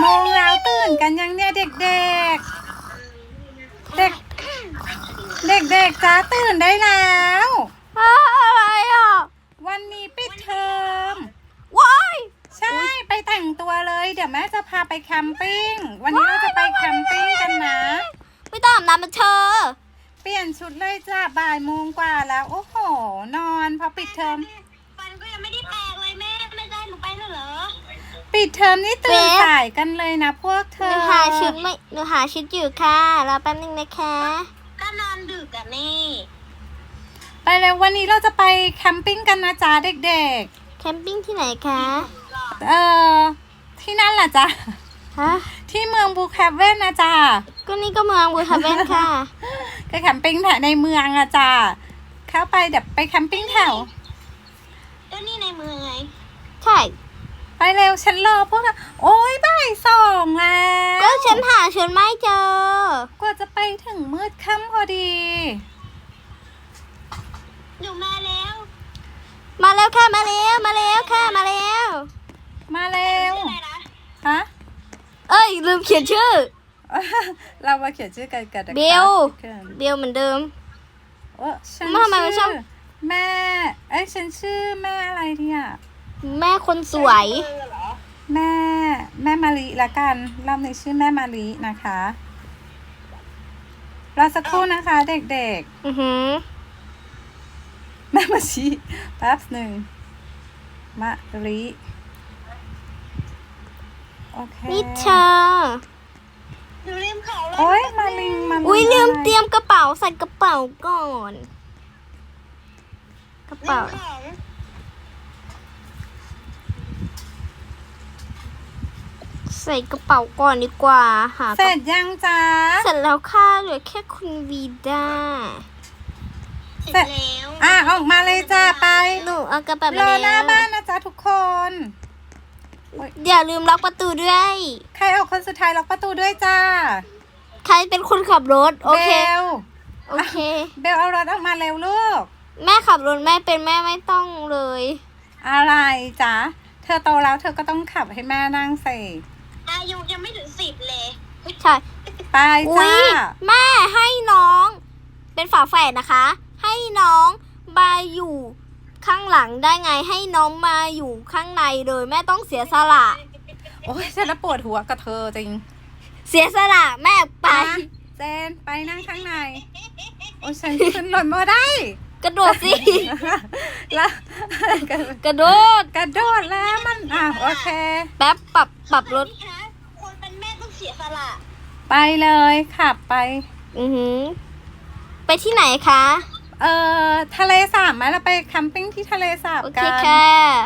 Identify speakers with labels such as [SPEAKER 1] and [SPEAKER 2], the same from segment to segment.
[SPEAKER 1] มงแล้วตื่นกันยังเนี่ยเด็กๆเด็กจ้าตื่นได้แล้ว
[SPEAKER 2] อะไรอ่ะ
[SPEAKER 1] วันนี้ปิดเทอม
[SPEAKER 2] ว้าย
[SPEAKER 1] ใช่ไปแต่งตัวเลยเดี๋ยวแม่จะพาไปแคมปิ้งวันนี้เราจะไปแคมปิ้งกันนะ
[SPEAKER 2] ไม่ต้องอาบน้ำมันเธอ
[SPEAKER 1] เปลี่ยนชุดเลยจ้าบ่ายโมงกว่าแล้วโอ้โหนอนพอปิดเทอม
[SPEAKER 3] ฟันก็ยังไม่ได้แปรงเลยแม่ไม่ได้หนูไปแล้วเหรอ
[SPEAKER 1] ปิดเทอมนี่ตื่นสายกันเลยนะพวกเธอ
[SPEAKER 2] หนูหาชุดอยู่ค่ะรอแป๊บนึงนะคะ
[SPEAKER 3] ก็นอนดึกอะนี่
[SPEAKER 1] ไปเลยวันนี้เราจะไปแคมปิ้งกันนะจ๊ะเด็ก
[SPEAKER 2] แคมปิ้งที่ไหนคะ
[SPEAKER 1] ๆที่นั่นแหละจ้ะ
[SPEAKER 2] ฮะ
[SPEAKER 1] ที่เมืองบูแคปเว่นนะจ๊ะ
[SPEAKER 2] ก็นี่ก็เมืองบูคาเวนค่ะ
[SPEAKER 1] ก็แคมปิ้งในเมืองอะจ้ะเข้าไปเดี๋ยวไปแคมปิ้งแถว
[SPEAKER 3] ก็นี่ในเมืองไง
[SPEAKER 2] ใช่
[SPEAKER 1] ไปเร็วฉันรอพวกเธอโอ๊ยบ่ายสองแล้ว
[SPEAKER 2] ก็ฉันหาชุดไม่เจอก
[SPEAKER 1] ว่าจะไปถึงมืดค่ำพอดี
[SPEAKER 3] หนูมาแล้ว
[SPEAKER 2] ค่ะมาแล้วค่ะมาแล้ว
[SPEAKER 1] มาเร็วฮะ
[SPEAKER 2] เอ้ยลืมเขียนชื่อ
[SPEAKER 1] เรามาเขียนชื่อกัน
[SPEAKER 2] เบลเหมือนเดิม
[SPEAKER 1] ฉันชื่อแม่ฉันชื่อแม่อะไรเนี่ย
[SPEAKER 2] แม่คนสวย
[SPEAKER 1] แม่มาลีละกันรอบนี้ชื่อแม่มาลีนะคะรอสักครู่นะคะเด็ก
[SPEAKER 2] ๆ
[SPEAKER 1] แม่มาชีแป๊บหนึ่งมาลีโอเค
[SPEAKER 2] นี่เธอ
[SPEAKER 3] หนูลืมเขาเลย
[SPEAKER 1] โอ๊ยมาลิง
[SPEAKER 2] อุ้ยลืมเตรียมกระเป๋าใส่กระเป๋าก่อนกระเป๋าใส่กระเป๋าก่อนดีกว่า
[SPEAKER 1] เสร็จยังจ๊ะ
[SPEAKER 2] เสร็จแล้วค่ะเหลือแค่คุณวีด้า
[SPEAKER 3] เสร็จแล้ว
[SPEAKER 1] ออกมาเลยจ้าไป
[SPEAKER 2] หนูเอากระเป๋ามารอ
[SPEAKER 1] หน้าบ้านนะจ๊ะทุกคน
[SPEAKER 2] อย่าลืมล็อกประตูด้วย
[SPEAKER 1] ใครออกคนสุดท้ายล็อกประตูด้วยจ้า
[SPEAKER 2] ใครเป็นคนขับรถโอเค
[SPEAKER 1] เบลเอารถออกมาเร็วลูก
[SPEAKER 2] แม่ขับรถแม่เป็นแม่ไม่ต้องเลย
[SPEAKER 1] อะไรจ๊ะเธอโตแล้วเธอก็ต้องขับให้แม่นั่งสิ
[SPEAKER 3] อายุยังไม่ถึง10เลย
[SPEAKER 2] ใช่
[SPEAKER 1] ไปจ้า
[SPEAKER 2] แม่ให้น้องเป็นฝาแฝดนะคะให้น้องมาอยู่ข้างหลังได้ไงให้น้องมาอยู่ข้างในเลยแม่ต้องเสียสละ
[SPEAKER 1] โอ้ยฉันปวดหัวกับเธอจริง
[SPEAKER 2] เสียสละแม่ไป
[SPEAKER 1] เจนไปนั่งข้างในโอ้ฉันขึ้นรถมาได้
[SPEAKER 2] กระโดดสิ
[SPEAKER 1] แล้ว
[SPEAKER 2] กระโดด
[SPEAKER 1] แล้วมันโอเค
[SPEAKER 2] แป๊บปรับรถ
[SPEAKER 3] คนเป็นแม่ต้องเสียสละ
[SPEAKER 1] ไปเลยขับไป
[SPEAKER 2] ไปที่ไหนคะ
[SPEAKER 1] ทะเลสาบไหมเราไปแคมปิ้งที่ทะเลสาบกัน
[SPEAKER 2] โอเคค่ะ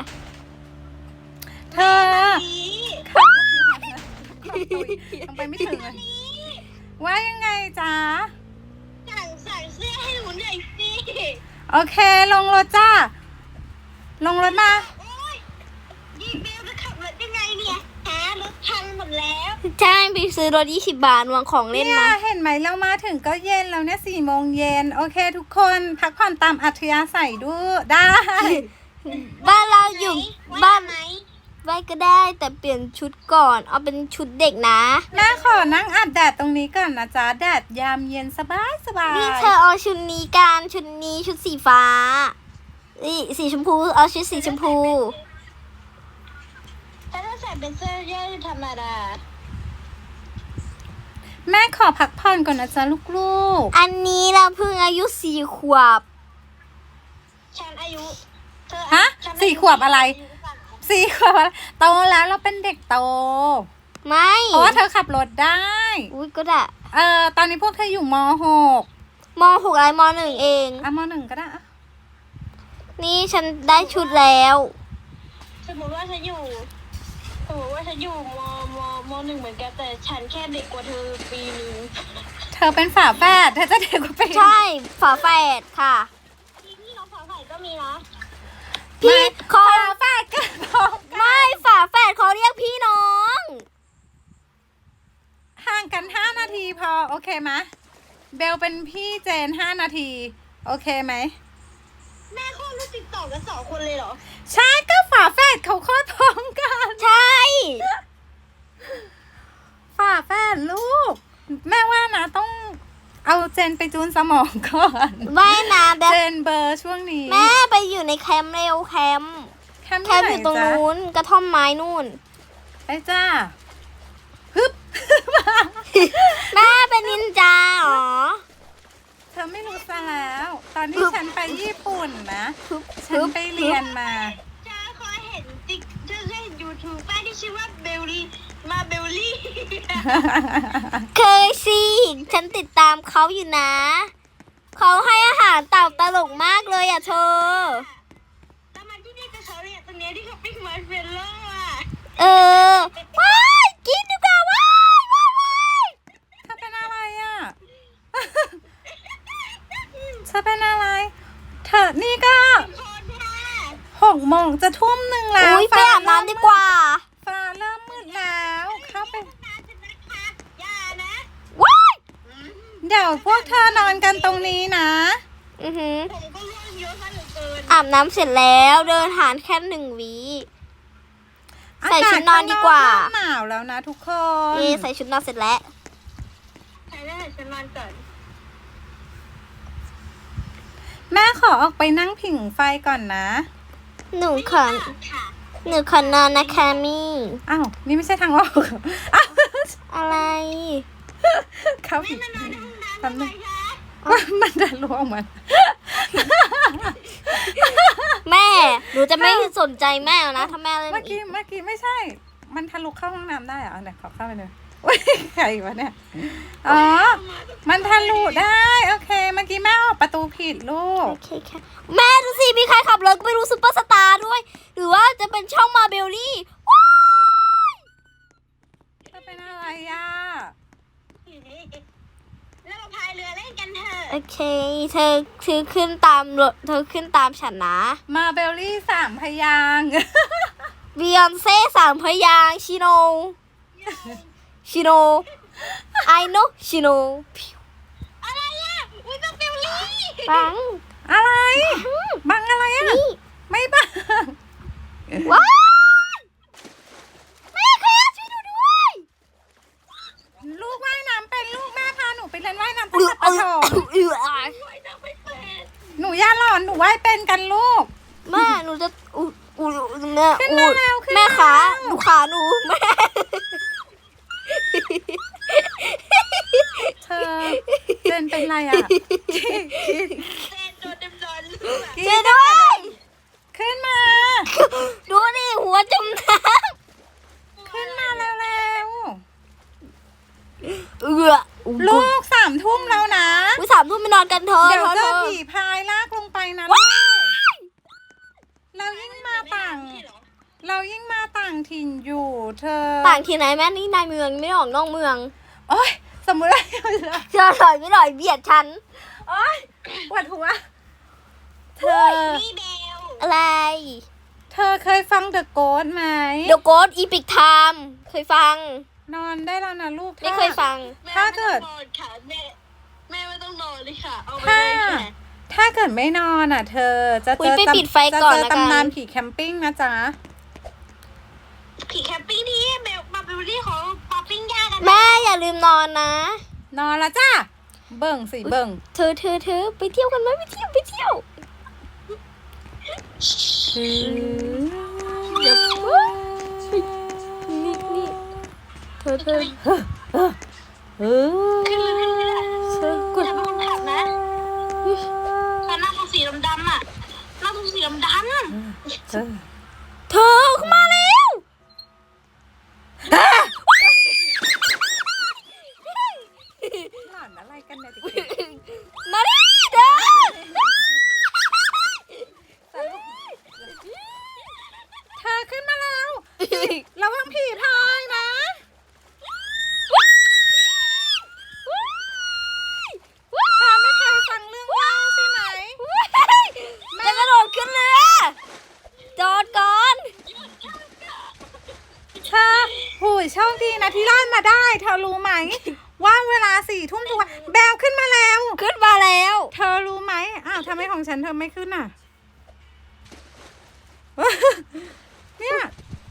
[SPEAKER 1] เธอยังไปไม่ถึงเลยว่ายังไงจ๊ะ
[SPEAKER 3] ใส่เสื้อให้หนูหน่อยสิ
[SPEAKER 1] โอเคลงรถจ้าลงรถมา
[SPEAKER 3] ยี่เบลจะขับรถยังไงเนี่ยรถพังหมดแล้ว
[SPEAKER 2] ใช่ไปซื้อรถ20 บาทวางของเล่นมา
[SPEAKER 1] เห็นไหมเรามาถึงก็เย็นแล้วเนี่ย4 โมงเย็นโอเคทุกคนพักผ่อนตามอัธยาศัยดูได้
[SPEAKER 2] บ้านเราอยู่บ้านไว้ก็ได้แต่เปลี่ยนชุดก่อนเอาเป็นชุดเด็กนะ
[SPEAKER 1] แม่ขอนั่งอาบแดดตรงนี้ก่อนนะจ๊ะแดดยามเย็นสบาย
[SPEAKER 2] นี่เธอเอาชุดนี้กันชุดนี้ชุดสีฟ้าสีชมพูเอาชุดสีชมพู
[SPEAKER 3] ถ้าใส่เป็นเสื้อยืดธรรมดา
[SPEAKER 1] แม่ขอพักผ่อนก่อนนะจ๊ะลูก
[SPEAKER 2] ๆอันนี้เราเพิ่งอายุ4 ขวบ
[SPEAKER 3] ฉันอายุ
[SPEAKER 1] ฮะ4 ขวบอะไร4 ขวบโตแล้วเราเป็นเด็กโต
[SPEAKER 2] ไม่
[SPEAKER 1] เพราะว่าเธอขับรถได้
[SPEAKER 2] อุ้ยก็ได้
[SPEAKER 1] ตอนนี้พวกเธออยู่ม.6
[SPEAKER 2] อะไรม.1 เอง
[SPEAKER 1] ม.1ก็ได้
[SPEAKER 2] นี่ฉันได้ชุดแล้ว
[SPEAKER 3] สมมติว่าฉันอยู่ม.1เหมือนกันแต่ฉันแค่เด็กกว่าเธอปีนึง
[SPEAKER 1] เธอเป็นฝาแฝดเธอจะเด็กกว่าปี
[SPEAKER 2] ใช่ฝาแฝดค่ะ
[SPEAKER 3] พี่น้องฝาแฝดก็มีนะ
[SPEAKER 1] พี่ฝาแฝดกัน
[SPEAKER 2] ไม่ฝาแฝดเขาเรียกพี่น้อง
[SPEAKER 1] ห่างกัน5 นาทีพอโอเคไหมเบลเป็นพี่เจน5 นาทีโอเคไหม
[SPEAKER 3] แม่คลอดลูกติดต่อกัน2 คนเลยเหรอ
[SPEAKER 1] ใช่ก็ฝาแฝดเขาคลอดพร้อมกัน
[SPEAKER 2] ใช่
[SPEAKER 1] นไปจูนสมองก่อน
[SPEAKER 2] ว่ายน้ำแบบ
[SPEAKER 1] เจนเบอร์ช่วงนี้
[SPEAKER 2] แม่ไปอยู่ในแคมป์เร็วแคมป์
[SPEAKER 1] แคมป์
[SPEAKER 2] แคมป์อยู่ตรงนู้นกระท่อมไม้นู่น
[SPEAKER 1] ไปจ้าฮึบ
[SPEAKER 2] แม่เป็นนินจาเหรอ
[SPEAKER 1] เธอไม่รู้ซะแล้ว ตอนที่ฉันไปญี่ปุ่นนะ
[SPEAKER 2] ฮึบ
[SPEAKER 1] ฉันไปเรียนมา
[SPEAKER 3] จ้าเคยเห็นติ๊กเธอเคยเห็นยูทูบป้าที่ชื่อว่าเบลลี่มาเบลลี่
[SPEAKER 2] เคยสิฉันติดตามเขาอยู่นะ เขาให้อาหารเต่าตลกมากเลยอ่ะเธอ
[SPEAKER 3] แล้วมาที่นี่กับเขาเนี่ยตรงเนี้ยที่เขาปิ้งมาร์ชเมลโล่อะ
[SPEAKER 2] เออ ว้ายกินดีกว่าว้ายว้ายว้าย
[SPEAKER 1] เธอเป็นอะไรอ่ะ เธอเป็นอะไร เธอนี่ก็
[SPEAKER 3] โคตรค่ะ
[SPEAKER 1] 6 โมงจะทุ่มหนึ่งแล้ว
[SPEAKER 2] อุ้ยไปอาบน้ำดีกว่า
[SPEAKER 1] ฟ้าเริ่มมืดแล้ว เข้าไป
[SPEAKER 3] น้ำจะนะคะอย่านะ
[SPEAKER 2] ว้าย
[SPEAKER 1] เดี๋ยวพวกเธอนอนกันตรงนี้นะ
[SPEAKER 2] อือหือ
[SPEAKER 3] ผมก็ร่วงเยอะซะเหลือเกิน
[SPEAKER 2] อาบน้ำเสร็จแล้วเดินหานแค่1 วิ ใส่ชุดนอนดีกว่า
[SPEAKER 1] อศข้งนอกเริ่มหนาวแล้วนะทุกคน
[SPEAKER 2] ใส่ชุดนอนเสร็จแล้ว
[SPEAKER 3] ใช่ได้ฉันนอนก่อน
[SPEAKER 1] แม่ขอออกไปนั่งผิงไฟก่อนนะ
[SPEAKER 2] หนูขอ
[SPEAKER 3] ค่ะ
[SPEAKER 2] หนูขอนอนนะคะมี่
[SPEAKER 1] อ้าว นี่ไม่ใช่ทางออกเหรออ้าว
[SPEAKER 2] อะไร
[SPEAKER 1] เข้าผิด
[SPEAKER 3] นอนในห้องน้ำ
[SPEAKER 1] ทำ
[SPEAKER 3] ทำไม
[SPEAKER 1] ไม
[SPEAKER 3] คะ
[SPEAKER 1] มันจะล่วงมัน
[SPEAKER 2] แม่ หนูจะไม่สนใจแม่แล้วนะถ้าแม่เล่น
[SPEAKER 1] เมื่อ
[SPEAKER 2] อี
[SPEAKER 1] กี้
[SPEAKER 2] ก
[SPEAKER 1] เมื่อกี้ไม่ใช่ มันทะลุเข้าห้องน้ำได้เหรอเอาไหนขอเข้าไปเลยอุ้ยใครวะเนี่ย อ๋อ มันทะลุได้ โอเค เมื่อกี้แม่ออกประตูผิดลูก
[SPEAKER 2] โอเคค่ะแม่ดูสิมีใครขับรถไปดูซุปเปอร์สตาร์ด้วย หรือว่าจะเป็นช่องมาเบลลี่ว้าย
[SPEAKER 1] จะเป็นอะไรอ่ะ
[SPEAKER 3] แล้วเราพายเรือเล่นกันเถอะ
[SPEAKER 2] โอเค เธอขึ้นตามรถเธอขึ้นตามฉันนะ
[SPEAKER 1] มาเบลลี่3 พยางค์
[SPEAKER 2] บียอนเซ่3 พยางค์ชิโนชิโน I know ชิโน
[SPEAKER 3] อะไรอ่ะอุ้ยมาเบลลี่
[SPEAKER 2] ปัง
[SPEAKER 1] อะไร บังอะไรอ่ะ
[SPEAKER 2] นี่
[SPEAKER 1] ไม่บัง
[SPEAKER 2] ว้ายแม่คะช่วยหนูด้วย
[SPEAKER 1] ลูกว่ายน้ำเป็นลูกแม่พาหนูไปเรียนว่ายน้ำ
[SPEAKER 2] เอ
[SPEAKER 1] ตั้ง
[SPEAKER 2] อ
[SPEAKER 1] แต่
[SPEAKER 2] เอ
[SPEAKER 1] ประถ
[SPEAKER 2] อ
[SPEAKER 1] ม
[SPEAKER 2] เออ
[SPEAKER 3] ไม่ต้องไปเปิด
[SPEAKER 1] หนูอย่าหลอนหนูว่ายเป็นกันลูก
[SPEAKER 2] แม่หนูจะแม่
[SPEAKER 1] ขึ้นมาแล้วขึ้นมา
[SPEAKER 2] แม่ขา
[SPEAKER 1] แล้ว
[SPEAKER 2] ดูขาหนูแม่
[SPEAKER 1] เธอเจนเป็นไรอ่ะ
[SPEAKER 3] แฟนโดนดำร้อนลูกอะ
[SPEAKER 2] ช่วยด้วย
[SPEAKER 1] ขึ้นมา
[SPEAKER 2] ดูดิหัวจมน้
[SPEAKER 1] ขึ้นมาเร็ว
[SPEAKER 2] ำ
[SPEAKER 1] ๆลูก3 ทุ่มแล้วนะ
[SPEAKER 2] อุ้ย3 ทุ่มไปนอนกันเถอะ
[SPEAKER 1] เดี๋ยวเจ
[SPEAKER 2] เธ
[SPEAKER 1] อ
[SPEAKER 2] อ
[SPEAKER 1] ผีพายลากลงไปนะลูกเรายิ่งมาต่าง เรายิ่งมาต่างถิ่นอยู่ เธอ
[SPEAKER 2] ต่างที่ไหนแม่นี่ในเมืองไม่ได้ออกนอกเมือง
[SPEAKER 1] โอ๊ยสมมุติว่า
[SPEAKER 2] เธอหน่อยไม่หน่อยเบียดฉัน
[SPEAKER 1] โอ๊ยปวดหัว เธอ
[SPEAKER 3] นี่เบล
[SPEAKER 2] อะไร
[SPEAKER 1] เธอเคยฟัง The Ghost ไหม
[SPEAKER 2] เดี๋ยวโกดอีพิกไทม์เคยฟัง
[SPEAKER 1] นอนได้แล้วนะลูก
[SPEAKER 2] ไม่เคยฟัง
[SPEAKER 1] ถ้าเกิด
[SPEAKER 3] แม่ไม่ต้องนอนค่ะแม่ไม่ต้องนอนเลยค่ะ เอาไป
[SPEAKER 1] ถ้า
[SPEAKER 3] เลยค่ะ
[SPEAKER 1] ถ้าเกิดไม่นอนอ่ะ เธอจะ
[SPEAKER 2] อุ๊
[SPEAKER 1] เจ
[SPEAKER 2] ย
[SPEAKER 1] อ
[SPEAKER 2] ไปปิดไฟก่อน
[SPEAKER 1] จะเจอ
[SPEAKER 2] ละกัน
[SPEAKER 1] ตำนานผีแคมปิ้งนะจ๊ะ
[SPEAKER 3] ผีแคมปิ้งที่เบลมาเบลลี่ของปาปิ้งย่างกันนะ
[SPEAKER 2] แม่อย่าลืมนอนนะ
[SPEAKER 1] นอนละจ้าเบิ่งสิเบิ่ง
[SPEAKER 2] เธอไปเที่ยวกันไหมไปเที่ยว เดี๋ยวนี่เธอ
[SPEAKER 1] เออ
[SPEAKER 3] ขึ้นเลยขึ้นเลย
[SPEAKER 2] เธอกด
[SPEAKER 3] อย่าเป็นคนขับนะแต่หน้าตรงสีดำๆอ่ะหน้าตรงสีดำ
[SPEAKER 1] เออ
[SPEAKER 2] เธอเข้ามาแล้ว
[SPEAKER 1] หลอนอะไรกันเนี่ย
[SPEAKER 2] มาดิเด้อ
[SPEAKER 1] เธอขึ้นมาแล้วระวังผีพายนะเธอไม่เคยฟังเรื่องเล่าใช่ไหม
[SPEAKER 2] จะกระโดดขึ้นเรือจอดก่อน
[SPEAKER 1] เธอหูยโชคดีนะที่รอดมาได้ เธอรู้ไหม ว่าเวลา4 ทุ่มทุกวันแบลขึ้นมาแล้ว
[SPEAKER 2] ขึ้นมาแล้ว
[SPEAKER 1] เธอรู้ไหมอ้าวทำไมของฉันเธอไม่ขึ้นอ่ะ เนี่ย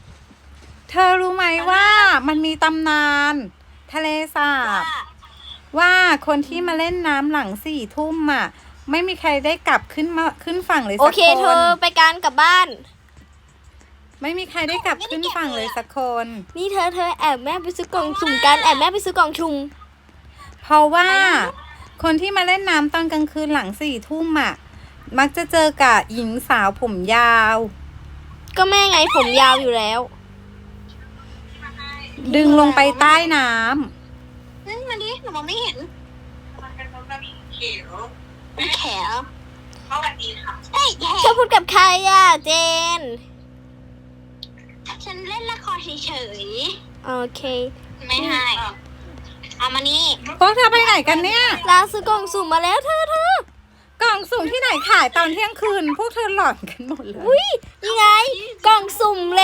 [SPEAKER 1] เธอรู้ไหมว่ามันมีตำนาน ทะเลสาบว่าคนที่มาเล่นน้ำหลัง4 ทุ่มอ่ะ ไม่มีใครได้กลับขึ้นฝั่งเลย
[SPEAKER 2] โอ
[SPEAKER 1] สัก
[SPEAKER 2] เค
[SPEAKER 1] ค
[SPEAKER 2] เธอน ไปการกลับบ้าน
[SPEAKER 1] ไม่มีใครได้กลับขึ้นฝั่งเลยสักคน
[SPEAKER 2] นี่เธอแอบแม่ไปซื้อกล่องสุ่มกันแอบแม่ไปซื้อกล่องสุ่ม
[SPEAKER 1] เพราะว่าคนที่มาเล่นน้ำตอนกลางคืนหลัง4 ทุ่มอ่ะ มักจะเจอกับหญิงสาวผมยาว
[SPEAKER 2] ก็แม่ไงผมยาวอยู่แล้ว
[SPEAKER 1] ดึงลงไปใต้น้
[SPEAKER 3] นั่นมาดิหนูมองไม่เห็น
[SPEAKER 4] มันเป็นมันมีเขียว
[SPEAKER 3] แขว
[SPEAKER 4] สวัสดีค่ะ
[SPEAKER 3] เฮ้ยแข
[SPEAKER 2] เธอพูดกับใครอ่ะเจน
[SPEAKER 3] ฉันเล่นละครเฉย
[SPEAKER 2] โอเค
[SPEAKER 3] ๆไม่ให้เอามานี่
[SPEAKER 1] ำพวกเธอไปไหนกันเนี่ย
[SPEAKER 2] ลาซื้อกล่องสุ่มมาแล้วเธอ
[SPEAKER 1] กล่องสุ่มที่ไหนขายตอนเที่ยงคืน พวกเธอหลอนกันหมดเลย
[SPEAKER 2] อุ้ยนี่ไง กล่องสุ่มเลย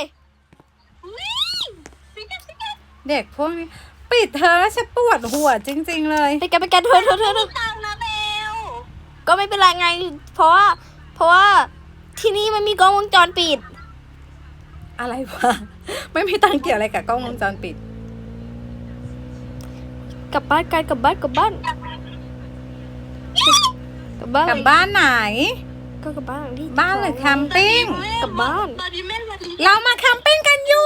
[SPEAKER 1] เด็กพวกนี้ปิดเธอแล้วฉันปวดหัวจริง ๆ เลย
[SPEAKER 2] ไปกันเธอ
[SPEAKER 3] ตังค์นะเบล
[SPEAKER 2] ก็ไม่เป็นไรไง เพราะว่าที่นี่มันมีกล้องวงจรปิด
[SPEAKER 1] อะไรวะ ไม่มีตังค์เกี่ยวอะไรกับกล้องวงจรปิด
[SPEAKER 2] กลับบ้านกันกลับบ้าน
[SPEAKER 1] กลับบ้านไหน
[SPEAKER 2] ก็กลับบ้านที่
[SPEAKER 1] บ้านหรือแคมปิ้ง
[SPEAKER 2] กลับบ้าน
[SPEAKER 3] ตอนนี้แม่มาดิ
[SPEAKER 1] เรามาแคมปิ้งกันอยู่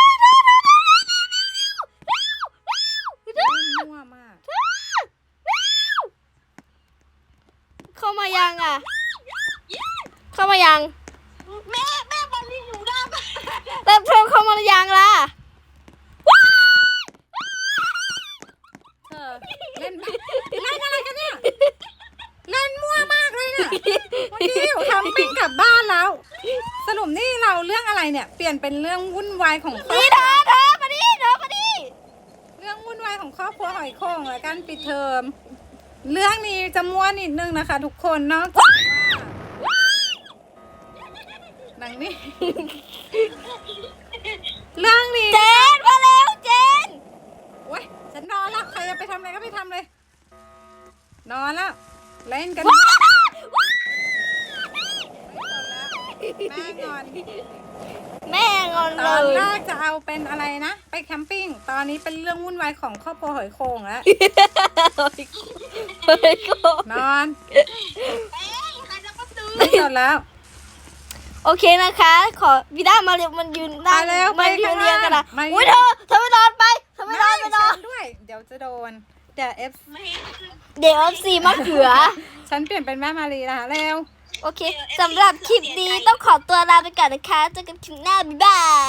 [SPEAKER 1] มั่วมาก
[SPEAKER 2] เข้ามายังอ่ะ เข้ามายัง
[SPEAKER 3] แม่มาดิอยู่ด้าน
[SPEAKER 2] แต่เธอเข้ามายังล่ะ
[SPEAKER 1] เธอเล่นอะไรกันเนี่ย เล่นมั่วมากเลยเนี่ยวันนี้อยู่แคมปิ้งกลับบ้านแล้ว สรุปนี่เราเรื่องอะไรเนี่ย เปลี่ยนเป็นเรื่องวุ่นวายของครอบ
[SPEAKER 2] นี่
[SPEAKER 1] ครัว
[SPEAKER 2] เธอมาดิ
[SPEAKER 1] เรื่องวุ่นวายของครอบครัวหอยโข่งและการปิดเทอม เรื่องนี้จะมั่วนิดนึงนะคะ ทุกคนนอกจากว่าหนังนี่ เรื่องนี้
[SPEAKER 2] เจนมาแล้วเจน
[SPEAKER 1] โอ๊ยฉันนอนแล้วใครจะไปทำอะไรก็ไปทำเลย นอนแล้วเล่นกัน แม่งอน
[SPEAKER 2] แม่งอน
[SPEAKER 1] ต
[SPEAKER 2] เล
[SPEAKER 1] อนแร
[SPEAKER 2] ย
[SPEAKER 1] กจะเอาเป็นอะไรนะ ไปแคมปิ้ง ตอนนี้เป็นเรื่องวุ่นวายของครอบครัวหอยโข่งแล้ว นอน
[SPEAKER 3] ใครจะมาซื้อ
[SPEAKER 1] ไม่สนแล้ว
[SPEAKER 2] โอเคนะคะ ขอวิด้ามาเรียกมันยืนนั่ง
[SPEAKER 1] ไปแล้ว
[SPEAKER 2] มา
[SPEAKER 1] ไป
[SPEAKER 2] ยื
[SPEAKER 1] ข้าน ง
[SPEAKER 2] เรียงกันนะ
[SPEAKER 1] ล่าง
[SPEAKER 2] อุ้ยเธอไปนอนไปเธอไปนอน
[SPEAKER 1] ฉันด้วย เดี๋ยวจะโดนเดี๋ยวเอฟ
[SPEAKER 3] ไม่
[SPEAKER 2] เดี๋ยวซีมะเขือ
[SPEAKER 1] ฉันเปลี่ยนเป็นแม่มารีนะคะเร็ว
[SPEAKER 2] โอเคสำหรับคลิปนี้ต้องขอตัวลาไปก่อนนะคะเจอกันคลิปหน้าบ๊ายบาย